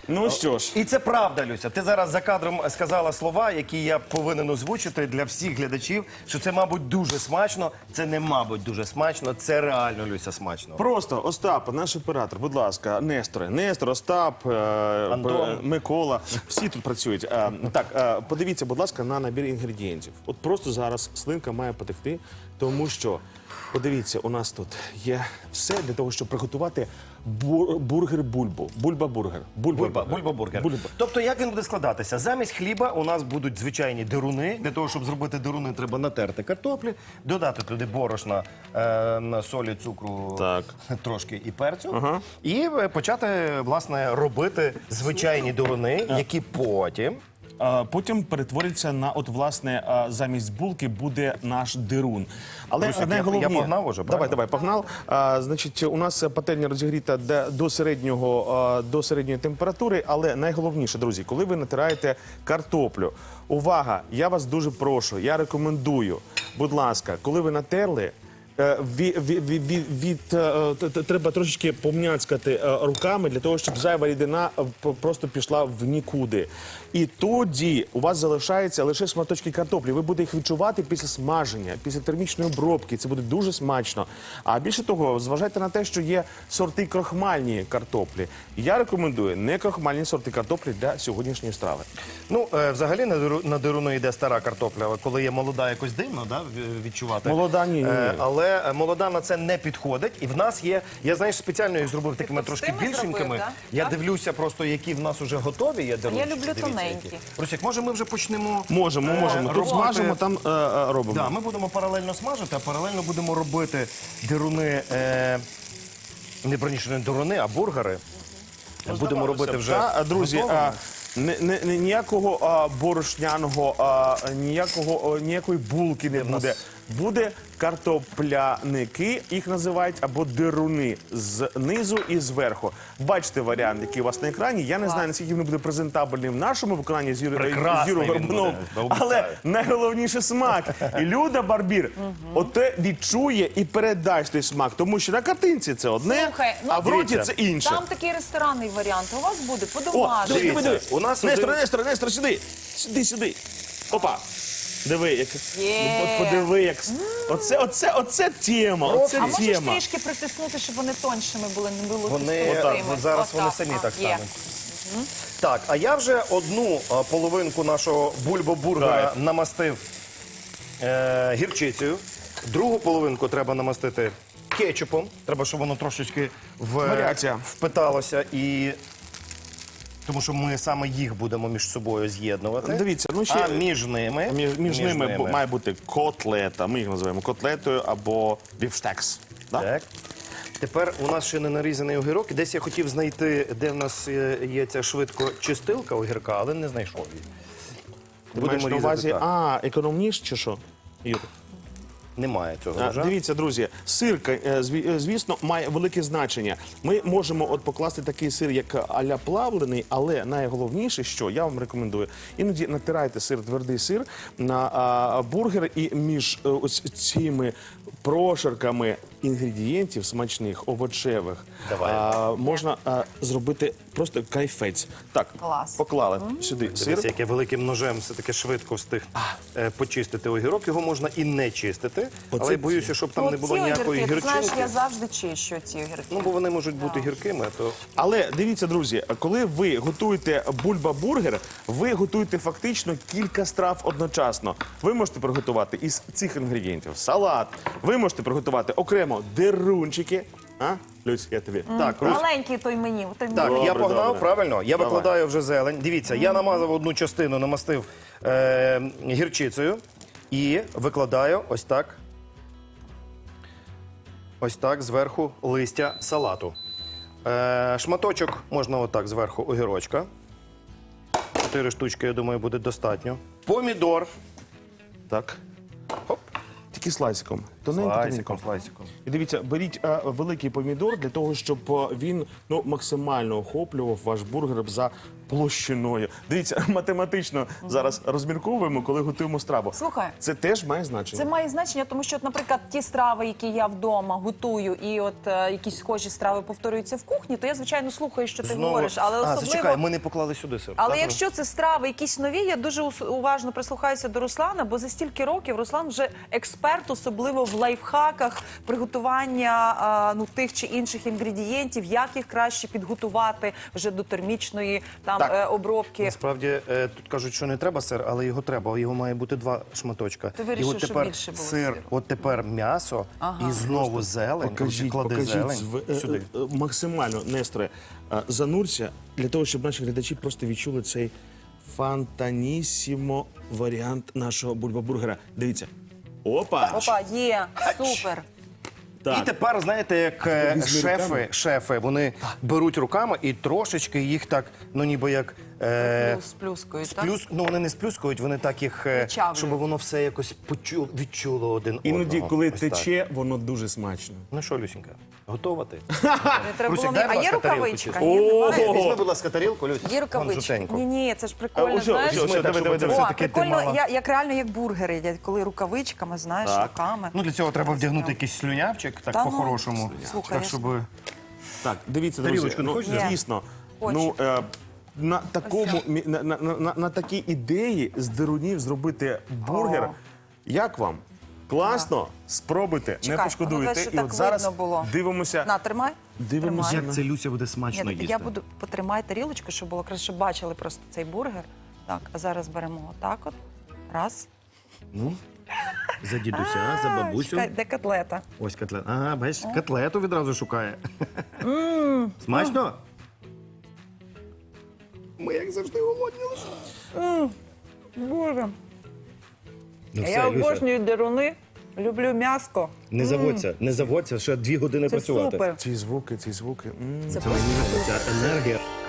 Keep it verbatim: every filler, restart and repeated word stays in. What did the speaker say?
Ну що ж. І це правда, Люся. Ти зараз за кадром сказала слова, які я повинен озвучити для всіх глядачів, що це, мабуть, дуже смачно. Це не, мабуть, дуже смачно, це реально, Люся, смачно. Просто, Остап, наш оператор, будь ласка, Несторе. Нестор, Остап, е, Антон. П- Микола, всі тут працюють. Е, Так, е, подивіться, будь ласка, на набір інгредієнтів. От просто зараз слинка має потекти, тому що, подивіться, у нас тут є все для того, щоб приготувати бур- бургер бульбу. Бульба-бургер. Бульба, бульба-бургер. Бульба. Тобто, як він буде складатися? Замість хліба у нас будуть звичайні деруни. Для того, щоб зробити деруни, треба натерти картоплі, додати туди борошна, е, солі, цукру, Так. трошки і перцю. Ага. І е, почати, власне, робити звичайні деруни, які потім... А потім перетвориться на, от, власне, а, замість булки буде наш дирун. Але Русик, я- найголовніше... я погнав уже, Давай, правильно? давай, погнав. А, значить, у нас пательня розігріта де- до, середнього, а, до середньої температури, але найголовніше, друзі, коли ви натираєте картоплю, увага, я вас дуже прошу, я рекомендую, будь ласка, коли ви натерли, Е, ві- ві- ві- ві- від, е, т- т- треба трошечки помняцькати е, руками для того, щоб зайва рідина е, п- просто пішла в нікуди. І тоді у вас залишається лише шматочки картоплі. Ви будете їх відчувати після смаження, після термічної обробки. Це буде дуже смачно. А більше того, зважайте на те, що є сорти крохмальні картоплі. Я рекомендую не крохмальні сорти картоплі для сьогоднішньої страви. Ну, е, взагалі на диру- на дируну йде стара картопля, але коли є молода, якось дивно, да, в- відчувати. Молода, ні, ні, ні. Е, але е, молода на це не підходить. І в нас є, я, знаєш, спеціально їх зробив такими трошки товстими більшенькими. зробив, да? Я Так? дивлюся просто, які в нас вже готові є дирунчики. люблю Дивіться, тоненькі. які. Русик, може ми вже почнемо? Можемо, е, можемо. Тут робити- смажимо, там е, е, робимо. Да, ми будемо паралельно смажити, а паралельно будемо робити дируни, е, не броніше, не дируни, а бургери. Будемо робити вже Та, а, друзі, готовими. а, не, не, не- ніякого а, борошняного, а, ніякого, о, ніякої булки не в нас- буде. Буде картопляники, їх називають, або дируни знизу і зверху. Бачите варіант, який у вас на екрані. Я не знаю, наскільки він буде презентабельний в нашому виконанні з Юрою Прекрасний з Юрою він Горбуновим. буде, обіцяю. Але найголовніше смак. І Люда Барбір оте відчує і передасть той смак. Тому що на картинці це одне, Слухай, ну, а в роті дивіться, це інше. Там такий ресторанний варіант. У вас буде О, по-домашньому. диви, диви, диви. У нас Нестор, один- Нестор, Нестор, сюди. Сюди, сюди. Опа. Диви, як... Є. От подиви, як... Оце, оце, оце тема, оце А можеш тема. трішки притиснути, щоб вони тоншими були, не було Вони, товстими? от зараз Отак. вони самі А, так є. стануть. Так, а я вже одну а, половинку нашого бульбо-бургера Кайф. намастив е, гірчицею. Другу половинку треба намастити кетчупом. Треба, щоб воно трошечки в, Варіація. впиталося. І... Тому що ми саме їх будемо між собою з'єднувати. Дивіться, ну ще- А між ними, Між, між ними бу- має бути котлета, ми їх називаємо котлетою або бівштекс. Да? Так. Тепер у нас ще не нарізаний огірок. І десь я хотів знайти, де в нас е, є ця швидкочистилка огірка, але не знайшов її. Ти маєш Будемо на різати увазі, так. а, економніш чи що? Юр? Немає цього А, ножа. Дивіться, друзі, сир, е, зві- е, звісно, має велике значення. Ми можемо от покласти такий сир, як а-ля плавлений, але найголовніше, що я вам рекомендую, іноді натирайте сир, твердий сир на а, бургер, і між е, ось цими прошарками інгредієнтів смачних, овочевих, Давай. а, можна а, зробити просто кайфець. Так, Клас. поклали сюди сир. Дивіться, як я великим ножем все-таки швидко встиг е, почистити огірок. Його можна і не чистити, Оце але я боюся, щоб там Ну, не було ці ніякої огірки, ти знаєш, гірчинки. я завжди чищу ці огірки. Ну, бо вони можуть бути гіркими, то... Але дивіться, друзі, коли ви готуєте бульба-бургер, ви готуєте фактично кілька страв одночасно. Ви можете приготувати із цих інгредієнтів салат, ви можете приготувати окремо дерунчики. А? Люсь, я тобі. Так, Русь, Маленький той мені. Той Так, мені. Добре, я погнав, добре. правильно? Я Давай. викладаю вже зелень. Дивіться, я намазав одну частину, намастив е, гірчицею і викладаю ось так. Ось так зверху листя салату. Е, шматочок можна отак зверху огірочка. Чотири штучки, я думаю, буде достатньо. Помідор. Так. Хоп. Тільки слайсиком. Тоненько, Слайсиком, тоненько. слайсиком. І дивіться, беріть е, великий помідор для того, щоб е, він ну, максимально охоплював ваш бургер за площиною. Дивіться, математично зараз розмірковуємо, коли готуємо страву. Слухай. Це теж має значення. Це має значення, тому що, от, наприклад, ті страви, які я вдома готую, і от е, якісь схожі страви повторюються в кухні, то я, звичайно, слухаю, що ти говориш. Але а, особливо... зачекай, ми не поклали сюди сир. Але Так, якщо це страви якісь нові, я дуже ус- уважно прислухаюся до Руслана, бо за стільки років Руслан вже експерт, особливо в лайфхаках приготування а, ну, тих чи інших інгредієнтів, як їх краще підготувати вже до термічної там Так. е, обробки. Насправді е, тут кажуть, що не треба сир, але його треба. Його має бути два шматочка. Ти вирішив, і от щоб тепер більше було сир, сиру. от тепер м'ясо і знову зелень. Покажіть, Клади покажіть зелень зв- е, сюди. е, е, максимально, Несторе, е, занурся, для того, щоб наші глядачі просто відчули цей фантанісімо варіант нашого бульбабургера. Дивіться. Опа! Опа, є, супер. Так. І тепер, знаєте, як е, Візьми шефи, руками. шефи, вони беруть руками і трошечки їх так, ну ніби як е, Плюс, плюскою, так? сплюс, ну вони не сплюскують, вони так їх, е, Вичавлюють. щоб воно все якось почу, відчуло один Іноді, одного. коли Ось так. тече, воно дуже смачно. Ну що, Люсінька, готова ти? Не треба Русик, було дай, мені- будь А є ласка, тарілку рукавичка? чисту. Ні, немає? О! Візьми, будь ласка, тарілку, Люсь. Є рукавички. жовтеньку. Ні, ні, це ж А, прикольно, ось, знаєш. ось, ось, Візьми так, диви, щоб диви, це диви. О, все-таки ти прикольно, мала. я, як реально як бургери їдять, коли рукавичками, знаєш, Так. руками. Ну для цього треба вдягнути якийсь слюнявчик, так Та ну, по-хорошому. слухай, Так, я щоб... Так, дивіться, друзі, Тарілочку не ну, хочеш? дійсно, Хочу. ну, е, на, такому, мі- на, на, на, на такій ідеї з дирунів зробити бургер. О. Як вам? Класно? Спробуйте, Чекай, не пошкодуєте. воно, щоб І так от зараз видно було. дивимося. На, тримай. Дивимося. Тримай. Як це Люся буде смачно Ні, їсти? я буду потримай тарілочку, щоб було краще, щоб бачили просто цей бургер. Так, а зараз беремо отак от. Раз. Ну, за дідуся, за бабусю. Чекай, де котлета? Ось котлет. Ага, бачиш, котлету відразу шукає. Смачно? Ми, як завжди, голодні лише. Боже. Ну я все, Люся, обожнюю деруни, люблю м'яско. не заводься, не заводься, ще дві години Це працювати. супер. Ці звуки, ці звуки. М. Це Це мені ця енергія.